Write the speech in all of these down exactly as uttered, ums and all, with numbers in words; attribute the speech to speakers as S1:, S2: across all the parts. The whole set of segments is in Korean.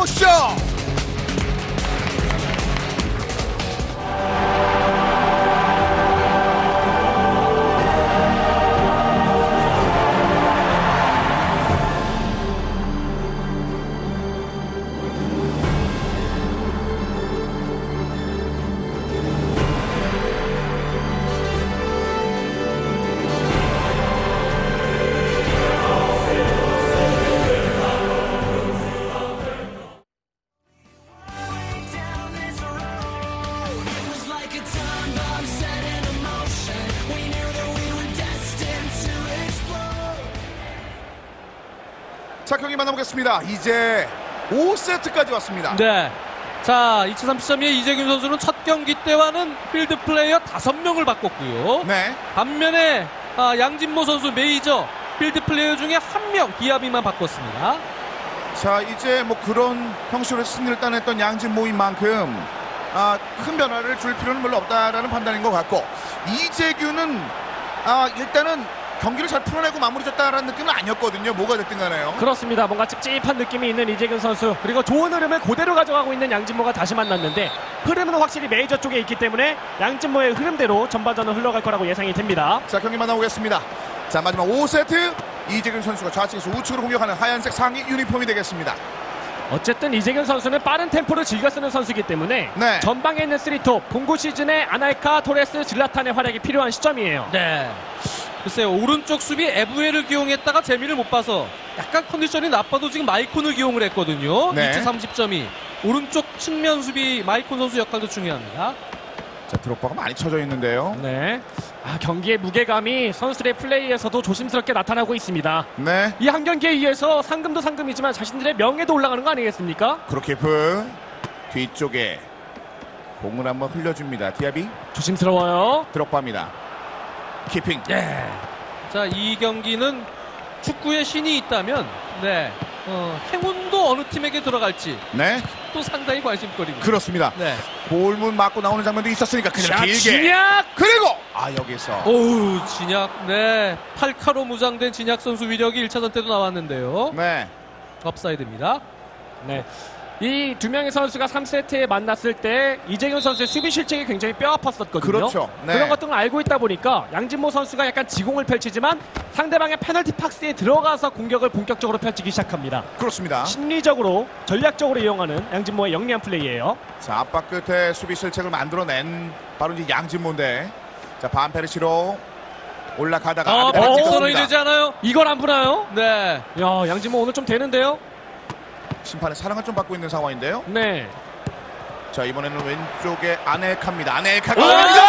S1: 보시죠. 자, 경기 만나보겠습니다. 이제 오 세트까지 왔습니다.
S2: 네. 자, 이 차 삼십 점의 이재균 선수는 첫 경기 때와는 필드 플레이어 다섯 명을 바꿨고요.
S1: 네.
S2: 반면에 아, 양진모 선수 메이저 필드 플레이어 중에 한 명 기아비만 바꿨습니다.
S1: 자, 이제 뭐 그런 형식으로 승리를 따냈던 양진모인 만큼 아, 큰 변화를 줄 필요는 별로 없다라는 판단인 것 같고, 이재균은 아, 일단은 경기를 잘 풀어내고 마무리 졌다라는 느낌은 아니었거든요. 뭐가 됐든 간에요.
S3: 그렇습니다. 뭔가 찝찝한 느낌이 있는 이재균 선수, 그리고 좋은 흐름을 그대로 가져가고 있는 양진모가 다시 만났는데, 흐름은 확실히 메이저 쪽에 있기 때문에 양진모의 흐름대로 전반전은 흘러갈 거라고 예상이 됩니다.
S1: 자, 경기 만나보겠습니다. 자, 마지막 오 세트 이재균 선수가 좌측에서 우측으로 공격하는 하얀색 상의 유니폼이 되겠습니다.
S3: 어쨌든 이재균 선수는 빠른 템포를 즐겨 쓰는 선수이기 때문에
S1: 네.
S3: 전방에 있는 쓰리톱, 공구 시즌에 아날카, 토레스, 질라탄의 활약이 필요한 시점이에요.
S2: 네. 글쎄요, 오른쪽 수비 에브에를 기용했다가 재미를 못 봐서 약간 컨디션이 나빠도 지금 마이콘을 기용을 했거든요.
S1: 네.
S2: 이 차 삼십 점이 오른쪽 측면 수비 마이콘 선수 역할도 중요합니다.
S1: 자, 드롭바가 많이 쳐져 있는데요.
S3: 네. 아, 경기의 무게감이 선수들의 플레이에서도 조심스럽게 나타나고 있습니다.
S1: 네.
S3: 이 한 경기에 의해서 상금도 상금이지만 자신들의 명예도 올라가는 거 아니겠습니까?
S1: 크루키프 뒤쪽에 공을 한번 흘려줍니다. 디아비
S3: 조심스러워요.
S1: 드롭바입니다. 키핑.
S2: 예. 자, 이 경기는 축구의 신이 있다면 네. 어, 행운도 어느 팀에게 들어갈지
S1: 네.
S2: 또 상당히 관심거리입니다.
S1: 그렇습니다.
S2: 네.
S1: 골문 맞고 나오는 장면도 있었으니까 그냥
S3: 자,
S1: 길게.
S3: 진약!
S1: 그리고 아, 여기서
S2: 오우, 진약. 네. 팔카로 무장된 진약 선수 위력이 일 차전 때도 나왔는데요.
S1: 네.
S2: 업사이드입니다.
S3: 네. 이 두 명의 선수가 삼 세트에 만났을 때 이재균 선수의 수비 실책이 굉장히 뼈 아팠었거든요.
S1: 그렇죠. 네.
S3: 그런 것들을 알고 있다 보니까 양진모 선수가 약간 지공을 펼치지만 상대방의 페널티 박스에 들어가서 공격을 본격적으로 펼치기 시작합니다.
S1: 그렇습니다.
S3: 심리적으로, 전략적으로 이용하는 양진모의 영리한 플레이예요.
S1: 자, 압박 끝에 수비 실책을 만들어낸 바로 이제 양진모인데, 자, 반페르시로 올라가다가
S2: 아,
S1: 아비다
S2: 반칙
S1: 찍혔습니다.
S2: 선언이 되지 않아요?
S3: 이걸 안 보나요?
S2: 네.
S3: 야, 양진모 오늘 좀 되는데요?
S1: 심판의 사랑을 좀 받고 있는 상황인데요.
S3: 네.
S1: 자, 이번에는 왼쪽에 아넬카입니다. 아넬카가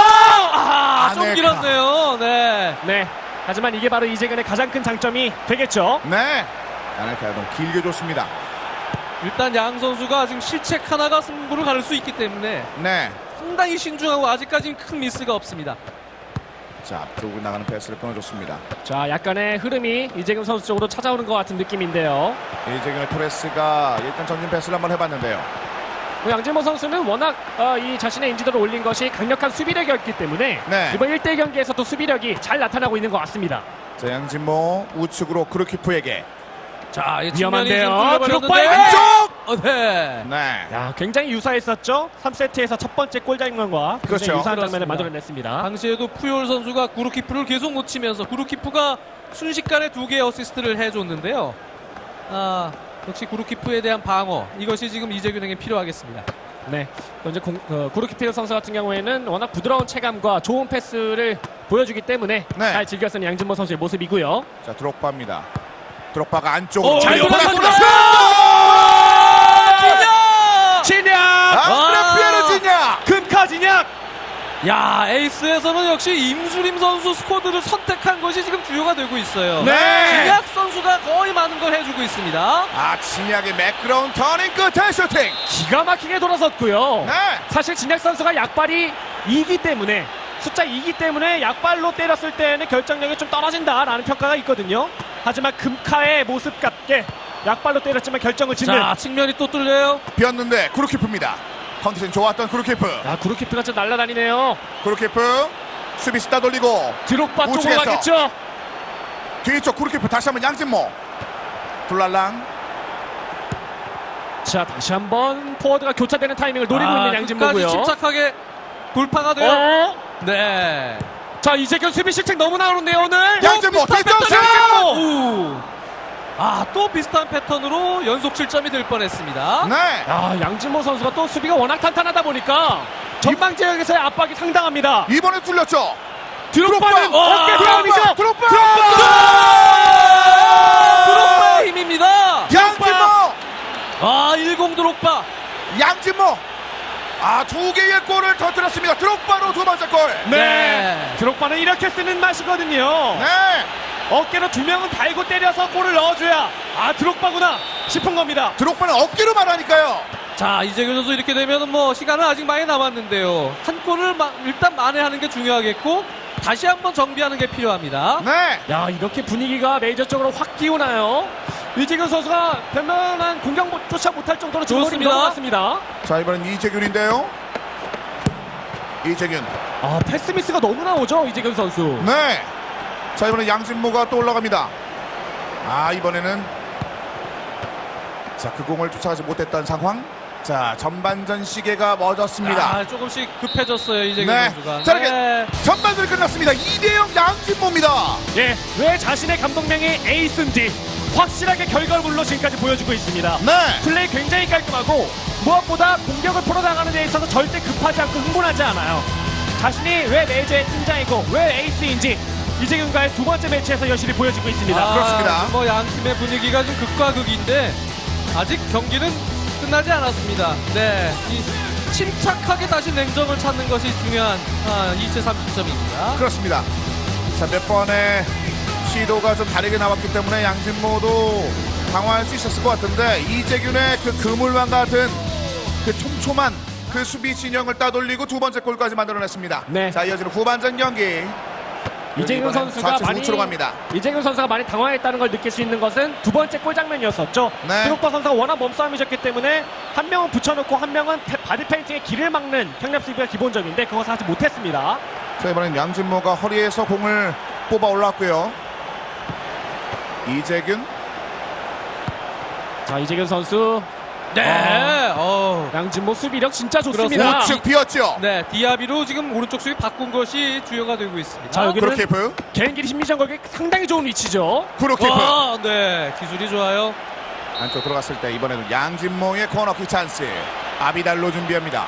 S2: 아, 좀
S1: 아넬카.
S2: 길었네요. 네.
S3: 네. 하지만 이게 바로 이재균의 가장 큰 장점이 되겠죠.
S1: 네. 아넬카가 너무 길게 줬습니다.
S2: 일단 양 선수가 지금 실책 하나가 승부를 가를 수 있기 때문에
S1: 네.
S2: 상당히 신중하고 아직까지는 큰 미스가 없습니다.
S1: 자, 앞쪽으로 나가는 패스를 끊어줬습니다.
S3: 자, 약간의 흐름이 이재균 선수 쪽으로 찾아오는 것 같은 느낌인데요.
S1: 이재균의 토레스가 일단 전진 패스를 한번 해봤는데요.
S3: 뭐 양진모 선수는 워낙 어, 이 자신의 인지도를 올린 것이 강력한 수비력이었기 때문에
S1: 네.
S3: 이번 일 대 일 경기에서도 수비력이 잘 나타나고 있는 것 같습니다.
S1: 자, 양진모 우측으로 크루키프에게.
S2: 자, 이
S3: 위험한데요.
S2: 드롭바의
S1: 왼쪽!
S2: 어, 네.
S1: 네.
S3: 야, 굉장히 유사했었죠. 삼 세트에서 첫 번째 골 장면과 굉장히
S1: 그렇죠.
S3: 유사한 장면을
S2: 그렇습니다.
S3: 만들어냈습니다.
S2: 당시에도 푸올 선수가 구루키프를 계속 놓치면서 구루키프가 순식간에 두 개의 어시스트를 해줬는데요. 아, 역시 구루키프에 대한 방어, 이것이 지금 이재균에게 필요하겠습니다.
S3: 네, 이제 공, 어, 구루키프 선수 같은 경우에는 워낙 부드러운 체감과 좋은 패스를 보여주기 때문에
S1: 네.
S3: 잘 즐겨 쓰는 양진모 선수의 모습이고요.
S1: 자, 드록바입니다. 드록바가 안쪽으로
S2: 오,
S1: 잘
S2: 이거
S1: 보냈습니다.
S2: 진약!
S3: 진약!
S1: 아, 피에르 진약!
S3: 금카 진약!
S2: 야, 에이스에서는 역시 임수림 선수 스쿼드를 선택한 것이 지금 주요가 되고 있어요.
S1: 네.
S2: 진약 선수가 거의 많은 걸 해주고 있습니다.
S1: 아, 진약의 매끄러운 터닝 끝에 슈팅.
S3: 기가 막히게 돌아섰고요.
S1: 네.
S3: 사실 진약 선수가 약발이 이기 때문에, 숫자 이기 때문에 약발로 때렸을 때는 결정력이 좀 떨어진다라는 평가가 있거든요. 하지만 금카의 모습 같게 약발로 때렸지만 결정을 짓는.
S2: 자, 측면이 또 뚫려요.
S1: 비었는데 구루키프입니다. 컨디션 좋았던 구루키프.
S3: 야, 구루키프가 진짜 날아다니네요.
S1: 구루키프 수비수 따돌리고
S3: 드록바 쪽으로
S1: 우측에서.
S3: 가겠죠.
S1: 뒤쪽 구루키프 다시 한번 양진모. 둘랄랑.
S3: 자, 다시 한번 포워드가 교차되는 타이밍을 노리고
S2: 아,
S3: 있는
S2: 끝까지
S3: 양진모고요.
S2: 침착하게 돌파가 돼요.
S3: 어?
S2: 네.
S3: 자, 이재균 수비 실책 너무 나오는데요 오늘.
S1: 양진모
S2: 비슷한
S1: 뒷점수!
S2: 패턴! 아, 또 비슷한 패턴으로 연속 실점이 될 뻔했습니다.
S1: 네.
S3: 야, 양진모 선수가 또 수비가 워낙 탄탄하다 보니까 전방 지역에서의 압박이 상당합니다.
S1: 이번에 뚫렸죠.
S3: 드롭바는
S2: 와,
S3: 어깨 싸움이죠.
S1: 드롭바!
S2: 드록바의 힘입니다.
S1: 양진모!
S2: 아, 일공 드록바.
S1: 양진모! 아, 두 개의 골을 터뜨렸습니다. 드롭바로 두 번째 골.
S3: 네.
S2: 네.
S3: 드롭바는 이렇게 쓰는 맛이거든요.
S1: 네.
S3: 어깨로 두 명은 달고 때려서 골을 넣어줘야 아 드롭바구나 싶은 겁니다.
S1: 드롭바는 어깨로 말하니까요.
S2: 자, 이재균 선수 이렇게 되면 뭐 시간은 아직 많이 남았는데요. 한 골을 마, 일단 만회하는 게 중요하겠고 다시 한번 정비하는 게 필요합니다.
S1: 네.
S3: 야, 이렇게 분위기가 메이저적으로 확 기우나요. 이재균 선수가 변변한 공격조차 못할 정도로 지금 골이
S2: 좋습니다.
S3: 넘어갔습니다.
S1: 자, 이번엔 이재균인데요. 이재균.
S3: 아, 패스 미스가 너무 나오죠 이재균 선수.
S1: 네. 자, 이번엔 양진모가 또 올라갑니다. 아, 이번에는 자, 그 공을 쫓아가지 못했던 상황. 자, 전반전 시계가 멎었습니다.
S2: 아, 조금씩 급해졌어요 이재균
S1: 네.
S2: 선수가.
S1: 자, 이렇게
S2: 네.
S1: 전반전이 끝났습니다. 이 대 영 양진모입니다.
S3: 예, 왜 자신의 감독명이 에이스인지 확실하게 결과물로 지금까지 보여주고 있습니다.
S1: 네.
S3: 플레이 굉장히 깔끔하고 무엇보다 공격을 풀어나가는 데 있어서 절대 급하지 않고 흥분하지 않아요. 자신이 왜 메이저의 팀장이고 왜 에이스인지 이재균과의 두 번째 매치에서 여실히 보여주고 있습니다.
S2: 아,
S1: 그렇습니다.
S2: 뭐 양 팀의 분위기가 좀 극과 극인데 아직 경기는 끝나지 않았습니다. 네, 이 침착하게 다시 냉정을 찾는 것이 중요한 아, 이 차 삼십 점입니다.
S1: 그렇습니다. 자, 몇 번의 시도가 좀 다르게 나왔기 때문에 양진모도 당황할 수 있었을 것 같은데 이재균의 그 그물망 같은 그 촘촘한 그 수비 진영을 따돌리고 두 번째 골까지 만들어냈습니다.
S3: 네.
S1: 자, 이어지는 후반전 경기.
S3: 이재균
S1: 이번엔
S3: 선수가
S1: 좌측
S3: 많이
S1: 우측으로 갑니다.
S3: 이재균 선수가 많이 당황했다는 걸 느낄 수 있는 것은 두 번째 골 장면이었었죠.
S1: 네.
S3: 드록바 선수가 워낙 몸싸움이셨기 때문에 한 명은 붙여놓고 한 명은 페- 바디 페인팅에 길을 막는 평랩 수비가 기본적인데 그것을 하지 못했습니다.
S1: 자, 이번엔 양진모가 허리에서 공을 뽑아 올랐고요. 이재균.
S3: 자, 이재균 선수
S2: 네, 어,
S3: 양진모 수비력 진짜 좋습니다.
S2: 그렇습니다.
S1: 우측 비었죠.
S2: 네, 디아비로 지금 오른쪽 수비 바꾼 것이 주요가 되고 있습니다.
S3: 자, 여기는
S1: 구루키프.
S3: 개인끼리 심리전 걸기 상당히 좋은 위치죠.
S1: 구루키프.
S2: 아, 네, 기술이 좋아요.
S1: 안쪽 들어갔을 때 이번에도 양진모의 코너킥 찬스. 아비달로 준비합니다.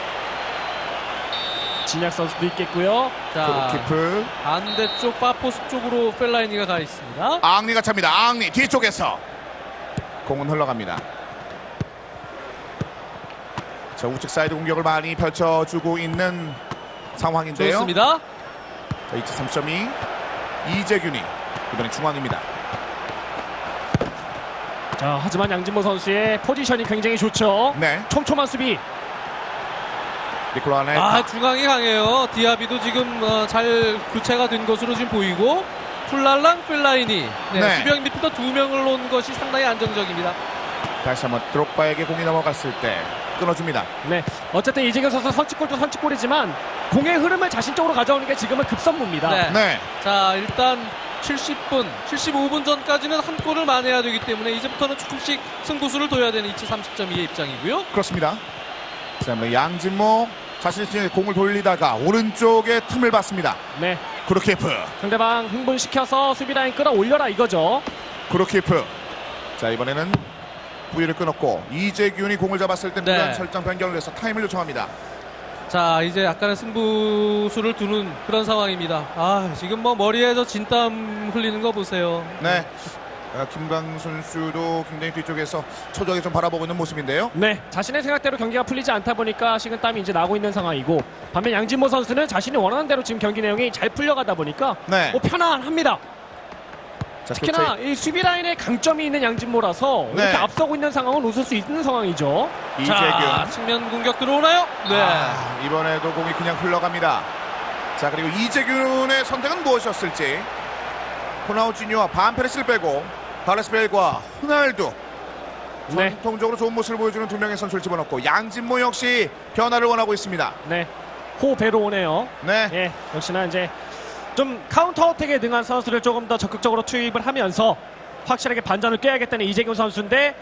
S3: 진약 선수도 있겠고요.
S2: 자,
S1: 구루키프.
S2: 반대쪽 파포스 쪽으로 펠라이니가 가 있습니다.
S1: 앙리가 찹니다. 앙리 뒤쪽에서 공은 흘러갑니다. 자, 우측 사이드 공격을 많이 펼쳐주고 있는 상황인데요.
S2: 좋습니다.
S1: 자, 이 차 삼 점이 이재균이 이번엔 중앙입니다.
S3: 자, 하지만 양진모 선수의 포지션이 굉장히 좋죠.
S1: 네,
S3: 촘촘한 수비.
S1: 니콜라 네.
S2: 아, 중앙이 강해요. 디아비도 지금 어, 잘 교체가 된 것으로 지금 보이고 풀랄랑 펠라이니 네,
S1: 네.
S2: 수비형 미드필더 두 명을 놓은 것이 상당히 안정적입니다.
S1: 다시 한번 드록바에게 공이 넘어갔을 때 끊어줍니다.
S3: 네, 어쨌든 이재균 선수 선취골도 선취골이지만 공의 흐름을 자신 쪽으로 가져오는 게 지금은 급선무입니다.
S2: 네.
S1: 네,
S2: 자, 일단 칠십 분, 칠십오 분 전까지는 한 골을 만회해야 되기 때문에 이제부터는 조금씩 승부수를 둬야 되는 이 차 삼십 점이의 입장이고요.
S1: 그렇습니다. 자, 한번 양진모 자신의 진영에 공을 돌리다가 오른쪽에 틈을 봤습니다.
S3: 네,
S1: 구루키프.
S3: 상대방 흥분시켜서 수비 라인 끌어올려라 이거죠.
S1: 구루키프. 자, 이번에는 부위를 끊었고 이재균이 공을 잡았을 때
S2: 네.
S1: 무단 설정 변경을 해서 타임을 요청합니다.
S2: 자, 이제 약간의 승부수를 두는 그런 상황입니다. 아, 지금 뭐 머리에서 진땀 흘리는 거 보세요.
S1: 네. 아, 김광 선수도 굉장히 뒤쪽에서 초조하게 좀 바라보고 있는 모습인데요.
S3: 네, 자신의 생각대로 경기가 풀리지 않다 보니까 식은땀이 이제 나고 있는 상황이고 반면 양진모 선수는 자신이 원하는 대로 지금 경기 내용이 잘 풀려가다 보니까
S1: 네.
S3: 뭐 편안합니다.
S1: 자,
S3: 특히나
S1: 교체.
S3: 이 수비 라인에 강점이 있는 양진모라서
S1: 네.
S3: 이렇게 앞서고 있는 상황은 웃을 수 있는 상황이죠.
S1: 이재균.
S2: 자, 측면 공격 들어오나요? 네.
S1: 아, 이번에도 공이 그냥 흘러갑니다. 자, 그리고 이재균의 선택은 무엇이었을지. 호나우지뉴와 반페레스를 빼고 바레스벨과 호날두
S3: 네,
S1: 전통적으로 좋은 모습을 보여주는 두 명의 선수를 집어넣고 양진모 역시 변화를 원하고 있습니다.
S3: 네, 호배로 오네요.
S1: 네,
S3: 예, 역시나 이제 좀 카운터 어택에 능한 선수를 조금 더 적극적으로 투입을 하면서 확실하게 반전을 꾀야겠다는 이재균 선수인데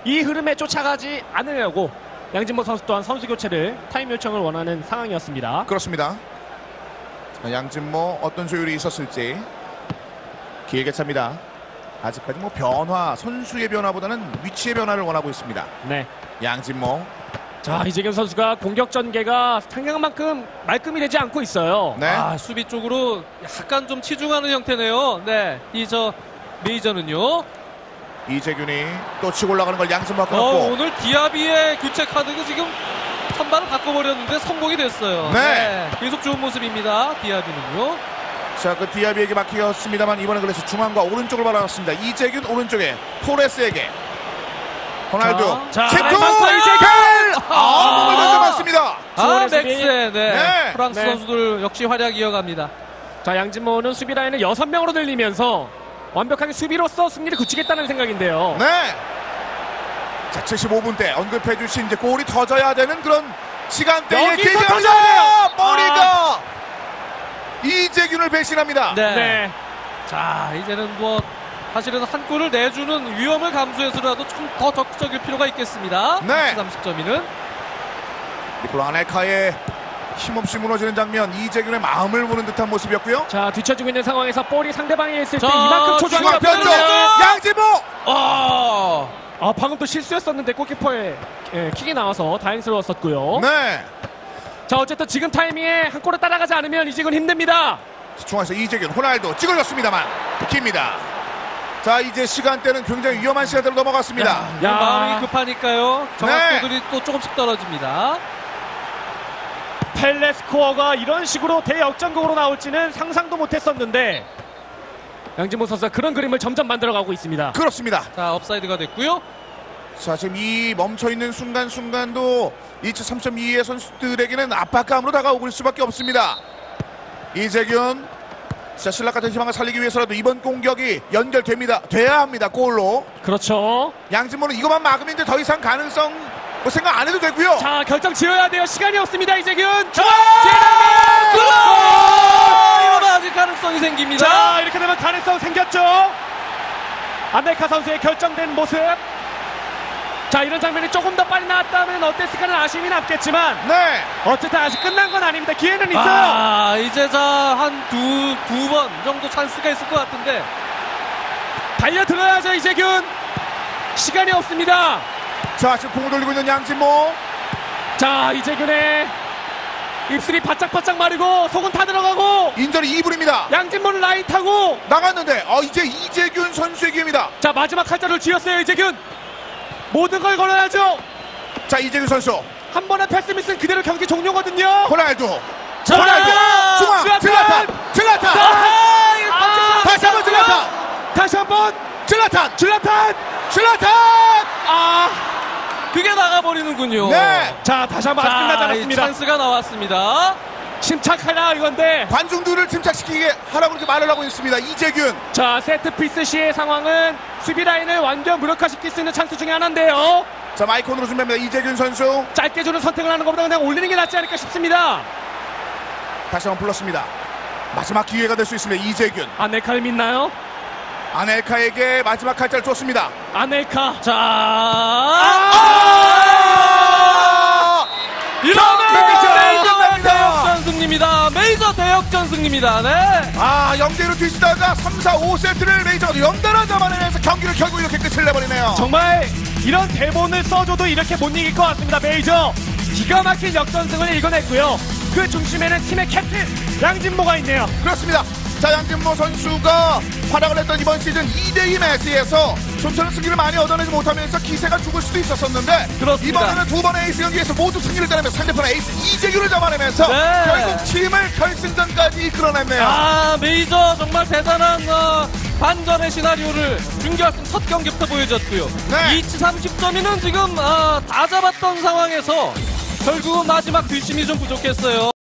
S3: 이 흐름에 쫓아가지 않으려고 양진모 선수 또한 선수 교체를 타임 요청을 원하는 상황이었습니다.
S1: 그렇습니다. 자, 양진모 어떤 조율이 있었을지 길게 찹니다. 아직까지 뭐 변화, 선수의 변화보다는 위치의 변화를 원하고 있습니다.
S3: 네.
S1: 양진모.
S3: 자, 이재균 선수가 공격 전개가 생각만큼 말끔히 되지 않고 있어요.
S1: 네.
S2: 아, 수비 쪽으로 약간 좀 치중하는 형태네요. 네, 이 저 메이저는요.
S1: 이재균이 또 치고 올라가는 걸 양진모가
S2: 어,
S1: 끊었고.
S2: 오늘 디아비의 교체 카드가 지금 선발을 바꿔버렸는데 성공이 됐어요.
S1: 네.
S2: 계속 좋은 모습입니다. 디아비는요.
S1: 자, 그 디아비에게 막히었습니다만 이번에 그래서 중앙과 오른쪽을 바라봤습니다. 이재균 오른쪽에 토레스에게 호날두
S3: 자,
S1: 킥투
S3: 잘 봤어요, 이재균!
S1: 아, 몸을 던져봤습니다.
S2: 아,
S3: 수원의
S2: 맥스.
S3: 수비.
S2: 네.
S1: 네.
S2: 프랑스
S3: 네.
S2: 선수들 역시 활약 이어갑니다.
S3: 자, 양진모는 수비 라인을 여섯 명으로 늘리면서 완벽하게 수비로서 승리를 굳히겠다는 생각인데요.
S1: 네. 자, 칠십오 분 때 언급해 주신 이제 골이 터져야 되는 그런 시간대에
S3: 여기서
S1: 기회가
S3: 터져야 돼요!
S1: 머리가 이재균을 배신합니다.
S2: 네.
S3: 네.
S2: 자, 이제는 뭐 사실은 한 골을 내주는 위험을 감수해서라도 좀 더 적극적일 필요가 있겠습니다.
S1: 네.
S2: 삼십 점이는
S1: 니콜라 아넬카의 힘없이 무너지는 장면, 이재균의 마음을 보는 듯한 모습이었고요.
S3: 자, 뒤쳐지고 있는 상황에서 볼이 상대방에 있을 때
S2: 자,
S3: 이만큼 초조한
S1: 중앙
S3: 게
S1: 편쪽
S3: 없거든요.
S1: 양진모.
S2: 아,
S3: 아, 방금 또 실수했었는데 골키퍼의 예, 킥이 나와서 다행스러웠었고요.
S1: 네.
S3: 자, 어쨌든 지금 타이밍에 한 골을 따라가지 않으면 이직은 힘듭니다.
S1: 중앙에서 이재균, 호날두 찍어줬습니다만 깁니다. 자, 이제 시간대는 굉장히 위험한 시간대로 넘어갔습니다.
S2: 야,
S3: 야.
S2: 마음이 급하니까요. 정확도들이 또 조금씩 떨어집니다.
S3: 펠레스코어가 이런 식으로 대역전극으로 나올지는 상상도 못했었는데 양진모 선수가 그런 그림을 점점 만들어가고 있습니다.
S1: 그렇습니다.
S2: 자, 업사이드가 됐고요.
S1: 자, 지금 이 멈춰있는 순간순간도 이치 삼 점 이의 선수들에게는 압박감으로 다가오고 있을 수밖에 없습니다. 이재균, 자, 신락 같은 희망을 살리기 위해서라도 이번 공격이 연결됩니다. 돼야 합니다. 골로.
S3: 그렇죠.
S1: 양진모는 이것만 막으면 이제 더 이상 가능성 뭐 생각 안 해도 되고요.
S3: 자, 결정 지어야 돼요. 시간이 없습니다. 이재균.
S1: 자,
S2: 이러면 아직 가능성이 생깁니다.
S3: 자, 이렇게 되면 가능성 생겼죠. 아넬카 선수의 결정된 모습. 자, 이런 장면이 조금 더 빨리 나왔다면 어땠을까는 아쉬움이 남겠지만
S1: 네.
S3: 어쨌든 아직 끝난 건 아닙니다. 기회는 있어요.
S2: 아, 이제 자한 두 두 번 정도 찬스가 있을 것 같은데.
S3: 달려들어야죠, 이재균. 시간이 없습니다.
S1: 자, 지금 공을 돌리고 있는 양진모.
S3: 자, 이재균의 입술이 바짝바짝 마르고 속은 타 들어가고
S1: 인절이 이 분입니다.
S3: 양진모는 라인 타고
S1: 나갔는데 어, 이제 이재균 선수의 기회입니다.
S3: 자, 마지막 칼자를 쥐었어요, 이재균. 모든 걸 걸어야죠.
S1: 자, 이재균 선수.
S3: 한 번의 패스 미스는 그대로 경기 종료거든요.
S1: 호날두.
S3: 자,
S1: 호날두. 중앙.
S3: 슬라탄!
S1: 질라탄. 질라탄.
S3: 아, 이거
S1: 아, 다시 한번 질라탄.
S3: 다시 한번
S1: 질라탄.
S3: 질라탄.
S1: 질라탄.
S3: 아,
S2: 그게 나가버리는군요.
S1: 네.
S3: 자, 다시 한번 아직 끝나지
S2: 자, 이
S3: 않았습니다.
S2: 찬스가 나왔습니다.
S3: 침착하라 이건데.
S1: 관중들을 침착시키게 하라고 이렇게 말을 하고 있습니다. 이재균.
S3: 자, 세트피스 시의 상황은 수비 라인을 완전 무력화시킬 수 있는 찬스 중에 하나인데요.
S1: 자, 마이콘으로 준비합니다. 이재균 선수.
S3: 짧게 주는 선택을 하는 것보다 그냥 올리는 게 낫지 않을까 싶습니다.
S1: 다시 한번 불렀습니다. 마지막 기회가 될 수 있습니다. 이재균.
S3: 아넬카를 믿나요?
S1: 아넬카에게 마지막 칼자를 줬습니다.
S3: 아넬카.
S2: 자,
S1: 아!
S2: 이러면
S1: 메이저
S2: 메이저
S1: 끝납니다.
S2: 대역전 승리입니다. 메이저 대역전 승리입니다. 네.
S1: 아, 영 대로 뒤지다가 삼, 사, 오 세트를 메이저가 연달아 잡아내면서 경기를 결국 이렇게 끝을 내버리네요.
S3: 정말 이런 대본을 써줘도 이렇게 못 이길 것 같습니다. 메이저 기가 막힌 역전승을 읽어냈고요. 그 중심에는 팀의 캡틴 양진모가 있네요.
S1: 그렇습니다. 자, 양진모 선수가 활약을 했던 이번 시즌 이 대 이 매치에서 좀처럼 승리를 많이 얻어내지 못하면서 기세가 죽을 수도 있었었는데
S2: 그렇습니다.
S1: 이번에는 두 번의 에이스 경기에서 모두 승리를 따내면서 상대편의 에이스 이재규를 잡아내면서
S2: 네.
S1: 결국 팀을 결승전까지 이끌어냈네요.
S2: 아, 메이저 정말 대단한 어, 반전의 시나리오를 준결승 첫 경기부터 보여줬고요.
S1: 네.
S2: 이치 삼십 점이는 지금 어, 다 잡았던 상황에서 결국은 마지막 뒷심이 좀 부족했어요.